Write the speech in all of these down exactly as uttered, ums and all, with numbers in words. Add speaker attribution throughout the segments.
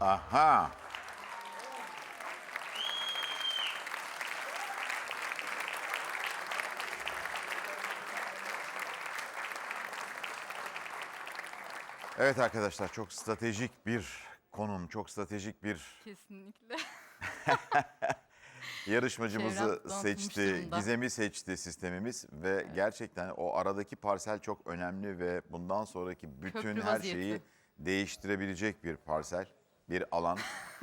Speaker 1: Aha. Evet arkadaşlar, çok stratejik bir konum, çok stratejik bir
Speaker 2: Kesinlikle.
Speaker 1: yarışmacımızı
Speaker 2: Çevrem donatılmış
Speaker 1: seçti,
Speaker 2: durumda.
Speaker 1: Gizem'i seçti sistemimiz ve gerçekten o aradaki parsel çok önemli ve bundan sonraki bütün
Speaker 2: Köprü
Speaker 1: her
Speaker 2: vaziyeti.
Speaker 1: şeyi değiştirebilecek bir parsel, bir alan.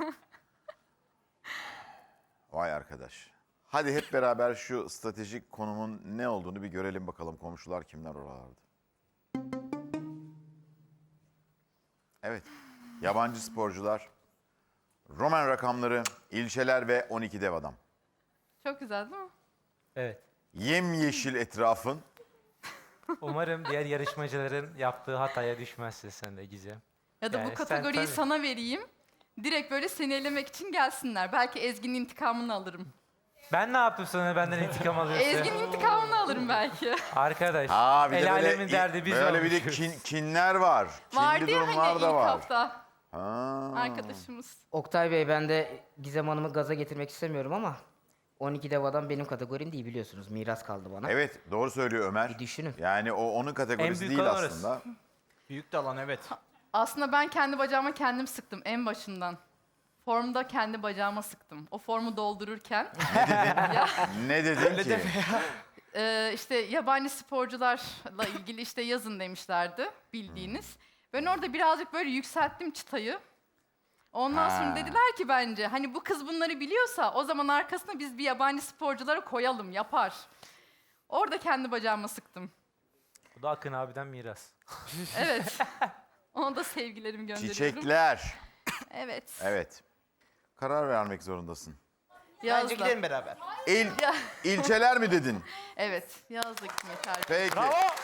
Speaker 1: Vay arkadaş. Hadi hep beraber şu stratejik konumun ne olduğunu bir görelim bakalım, komşular kimler oralarda. Evet, yabancı sporcular, Roman rakamları, ilçeler ve on iki dev adam.
Speaker 2: Çok güzel değil mi?
Speaker 3: Evet.
Speaker 1: Yemyeşil etrafın.
Speaker 3: Umarım diğer yarışmacıların yaptığı hataya düşmezsin sen de Gizem.
Speaker 2: Ya da
Speaker 3: Yani
Speaker 2: bu
Speaker 3: sen
Speaker 2: kategoriyi
Speaker 3: tabii-
Speaker 2: sana vereyim. Direkt böyle seni elemek için gelsinler. Belki Ezgi'nin intikamını alırım.
Speaker 3: Ben ne yaptım sana benden intikam alıyorsun?
Speaker 2: Ezgi'nin intikamını alırım belki.
Speaker 3: Arkadaş,
Speaker 1: Aa, bir de
Speaker 3: el
Speaker 1: böyle,
Speaker 3: alemin derdi biz
Speaker 1: böyle bir de
Speaker 3: olmuşuz.
Speaker 1: kin- kinler var. Kinli
Speaker 2: Vardı ya
Speaker 1: durumlar
Speaker 2: hani ilk
Speaker 1: da var.
Speaker 2: hafta
Speaker 1: Ha.
Speaker 2: arkadaşımız.
Speaker 4: Oktay Bey, ben de Gizem Hanım'ı gaza getirmek istemiyorum ama on iki dev adam benim kategorim değil, biliyorsunuz. Miras kaldı bana.
Speaker 1: Evet, doğru söylüyor Ömer.
Speaker 4: Bir düşünün.
Speaker 1: Yani o onun kategorisi
Speaker 3: büyük
Speaker 1: değil
Speaker 3: olan orası.
Speaker 1: aslında.
Speaker 5: Büyük de alan evet.
Speaker 2: Aslında ben kendi bacağıma kendim sıktım en başından. Formda kendi bacağıma sıktım. O formu doldururken. ya,
Speaker 1: Ne dedin ki?
Speaker 2: e, işte yabancı sporcularla ilgili işte yazın demişlerdi bildiğiniz. Ben orada birazcık böyle yükselttim çıtayı. Ondan
Speaker 1: Ha.
Speaker 2: sonra dediler ki bence hani bu kız bunları biliyorsa o zaman arkasına biz bir yabancı sporcuları koyalım, yapar. Orada kendi bacağıma sıktım.
Speaker 3: Bu da Akın abiden miras.
Speaker 2: Evet. Ona da sevgilerimi gönderiyorum.
Speaker 1: Çiçekler.
Speaker 2: Evet.
Speaker 1: Evet. Karar vermek zorundasın.
Speaker 5: Bence
Speaker 2: Yazla.
Speaker 5: gidelim beraber.
Speaker 1: İl,
Speaker 2: Ya.
Speaker 1: ilçeler mi dedin?
Speaker 2: Evet. Yazla gitmek harika.
Speaker 1: Peki.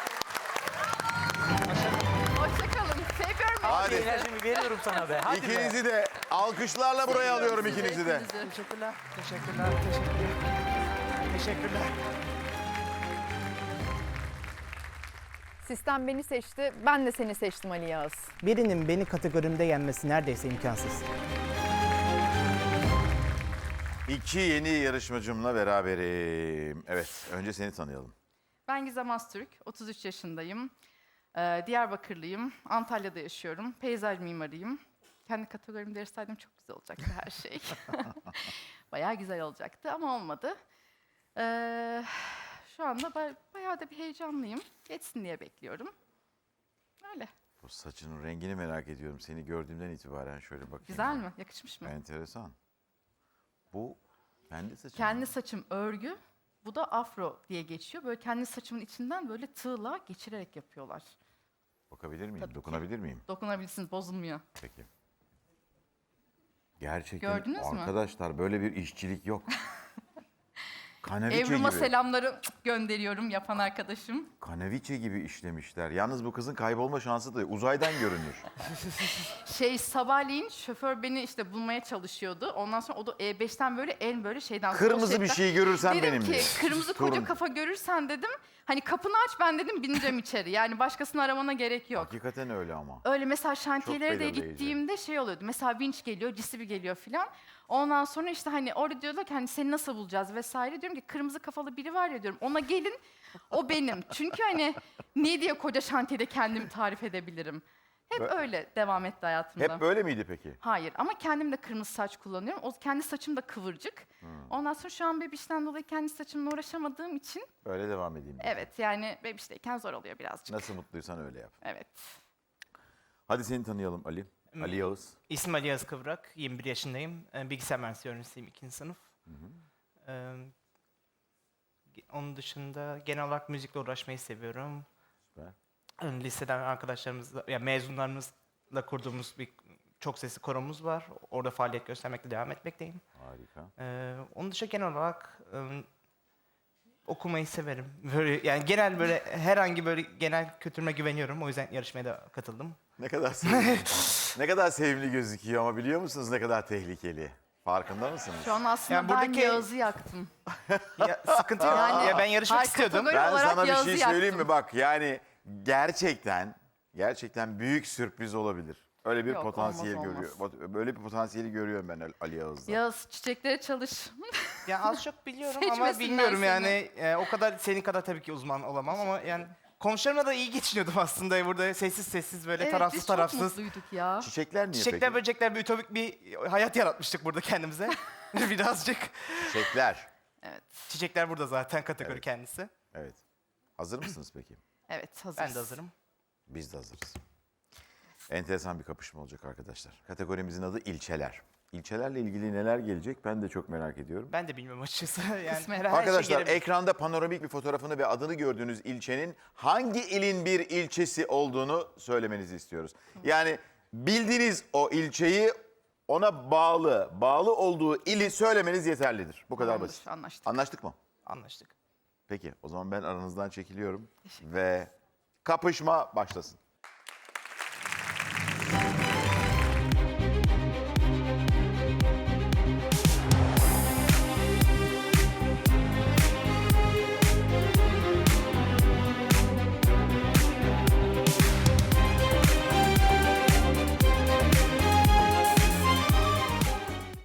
Speaker 2: Hoşçakalın. Seviyorum.
Speaker 1: Hadi.
Speaker 3: Enerjimi veriyorum sana be. Hadi be.
Speaker 1: İkinizi de alkışlarla buraya alıyorum
Speaker 2: Sizi,
Speaker 1: ikinizi de.
Speaker 2: hepinizi.
Speaker 5: Teşekkürler. Teşekkürler. Teşekkürler. Teşekkürler.
Speaker 6: Sistem beni seçti, ben de seni seçtim Ali Yağız.
Speaker 7: Birinin beni kategorimde yenmesi neredeyse imkansız.
Speaker 1: İki yeni yarışmacımla beraberim. Evet, önce seni tanıyalım.
Speaker 2: Ben Gizem Aztürk. otuz üç yaşındayım. Ee, Diyarbakırlıyım. Antalya'da yaşıyorum. Peyzaj mimarıyım. Kendi kategorimi değiştirseydim çok güzel olacaktı her şey. Bayağı güzel olacaktı ama olmadı. Ee, şu anda ba- bayağı da bir heyecanlıyım. Geçsin diye bekliyorum. Öyle.
Speaker 1: Bu saçının rengini merak ediyorum. Seni gördüğümden itibaren şöyle bakayım.
Speaker 2: Güzel mi? Yakışmış mı?
Speaker 1: Enteresan. Bu kendi saçın.
Speaker 2: Kendi
Speaker 1: mı?
Speaker 2: saçım örgü. Bu da afro diye geçiyor. Böyle kendi saçımın içinden böyle tığla geçirerek yapıyorlar.
Speaker 1: Bakabilir miyim?
Speaker 2: Tabii ki.
Speaker 1: Dokunabilir miyim?
Speaker 2: Dokunabilirsiniz, bozulmuyor.
Speaker 1: Peki. Gerçekten
Speaker 2: Gördünüz mü?
Speaker 1: arkadaşlar böyle bir işçilik yok. Kaneviçe
Speaker 2: Evrum'a
Speaker 1: gibi.
Speaker 2: selamları gönderiyorum yapan arkadaşım.
Speaker 1: Kaneviçe gibi işlemişler. Yalnız bu kızın kaybolma şansı da yok. Uzaydan görünür.
Speaker 2: Şey sabahleyin şoför beni işte bulmaya çalışıyordu. Ondan sonra o da E beşten böyle en böyle şeyden... sol
Speaker 1: Kırmızı bir
Speaker 2: şeritten-
Speaker 1: şey görürsen
Speaker 2: Dedim
Speaker 1: benim
Speaker 2: ki
Speaker 1: diye.
Speaker 2: kırmızı koca
Speaker 1: Turun.
Speaker 2: kafa görürsen dedim. Hani kapını aç ben dedim bineceğim içeri. Yani başkasını aramana gerek yok.
Speaker 1: Hakikaten öyle ama.
Speaker 2: Öyle mesela şantiyelere de
Speaker 1: belirleyici.
Speaker 2: gittiğimde şey oluyordu. Mesela vinç geliyor, cisibi geliyor filan. Ondan sonra işte hani orada diyorlar ki hani seni nasıl bulacağız vesaire. Diyorum ki kırmızı kafalı biri var ya diyorum. Ona gelin o benim. Çünkü hani ne diye koca şantiyede kendimi tarif edebilirim. Hep
Speaker 1: Bö-
Speaker 2: öyle devam etti hayatımda.
Speaker 1: Hep böyle miydi peki?
Speaker 2: Hayır ama kendim de kırmızı saç kullanıyorum. O kendi saçım da kıvırcık. Ondan sonra şu an bebişten dolayı kendi saçımla uğraşamadığım için
Speaker 1: Böyle devam edeyim.
Speaker 2: evet yani bebişteyken zor oluyor birazcık.
Speaker 1: Nasıl mutluysan öyle yap.
Speaker 2: Evet.
Speaker 1: Hadi seni tanıyalım Ali. Ali Yağız.
Speaker 5: İsmim Ali Yağız Kıvrak. yirmi bir yaşındayım. Ee, Bilgisayar mühendisliği öğrencisiyim. ikinci sınıf. Ee, ge- onun dışında genel olarak müzikle uğraşmayı seviyorum.
Speaker 1: Süper.
Speaker 5: Ee, Liseden arkadaşlarımızla, ya mezunlarımızla kurduğumuz bir çok sesli koromuz var. Orada faaliyet göstermekte devam etmekteyim.
Speaker 1: Harika.
Speaker 5: Ee, onun dışında genel olarak ım, okumayı severim. Böyle yani genel böyle herhangi böyle genel kültürüme güveniyorum. O yüzden yarışmaya da katıldım.
Speaker 1: Ne kadar sevimli. ne kadar sevimli gözüküyor ama biliyor musunuz ne kadar tehlikeli? Farkında mısınız?
Speaker 2: Şu an aslında
Speaker 5: Yani
Speaker 2: ben
Speaker 5: buradaki-
Speaker 2: Yağız'ı yaktım.
Speaker 5: Ya sıkıntı yok.
Speaker 2: Yani-
Speaker 5: ya ben yarışmak
Speaker 2: Her
Speaker 5: istiyordum.
Speaker 2: kategori-
Speaker 1: Ben
Speaker 2: olarak
Speaker 1: sana bir
Speaker 2: Yağız'ı
Speaker 1: şey söyleyeyim
Speaker 2: yaktım.
Speaker 1: mi? Bak yani gerçekten gerçekten büyük sürpriz olabilir. Öyle bir
Speaker 2: Yok,
Speaker 1: potansiyel
Speaker 2: olmaz,
Speaker 1: görüyor. bot- Böyle bir potansiyeli görüyorum ben Ali- Ali Yağız'da.
Speaker 2: Yağız çiçeklere çalış.
Speaker 5: Ya az çok biliyorum ama
Speaker 2: Seçmesinler
Speaker 5: bilmiyorum
Speaker 2: seni.
Speaker 5: yani. E, o kadar senin kadar tabii ki uzman olamam ama yani komşularımla da iyi geçiniyordum aslında. Burada sessiz sessiz böyle
Speaker 2: Evet,
Speaker 5: tarafsız
Speaker 2: biz çok
Speaker 5: tarafsız.
Speaker 2: mutluyduk ya.
Speaker 1: Çiçekler niye
Speaker 5: Çiçekler
Speaker 1: peki?
Speaker 5: böcekler bir ütopik bir hayat yaratmıştık burada kendimize. Birazcık.
Speaker 1: Çiçekler.
Speaker 2: Evet.
Speaker 5: Çiçekler burada zaten kategori
Speaker 1: Evet.
Speaker 5: kendisi.
Speaker 1: Evet. Hazır mısınız peki?
Speaker 2: Evet, hazırız.
Speaker 5: Ben de hazırım.
Speaker 1: Biz de hazırız. Enteresan bir kapışma olacak arkadaşlar. Kategorimizin adı ilçeler. İlçelerle ilgili neler gelecek ben de çok merak ediyorum.
Speaker 5: Ben de bilmiyorum açıkçası. Yani
Speaker 2: Kısmet.
Speaker 5: her, her şey
Speaker 1: Arkadaşlar
Speaker 5: gelebilir.
Speaker 1: ekranda panoramik bir fotoğrafını ve adını gördüğünüz ilçenin hangi ilin bir ilçesi olduğunu söylemenizi istiyoruz. Yani bildiğiniz o ilçeyi ona bağlı, bağlı olduğu ili söylemeniz yeterlidir. Bu kadar
Speaker 2: Tamamdır,
Speaker 1: basit.
Speaker 2: anlaştık.
Speaker 1: Anlaştık mı?
Speaker 5: Anlaştık.
Speaker 1: Peki o zaman ben aranızdan çekiliyorum ve kapışma başlasın.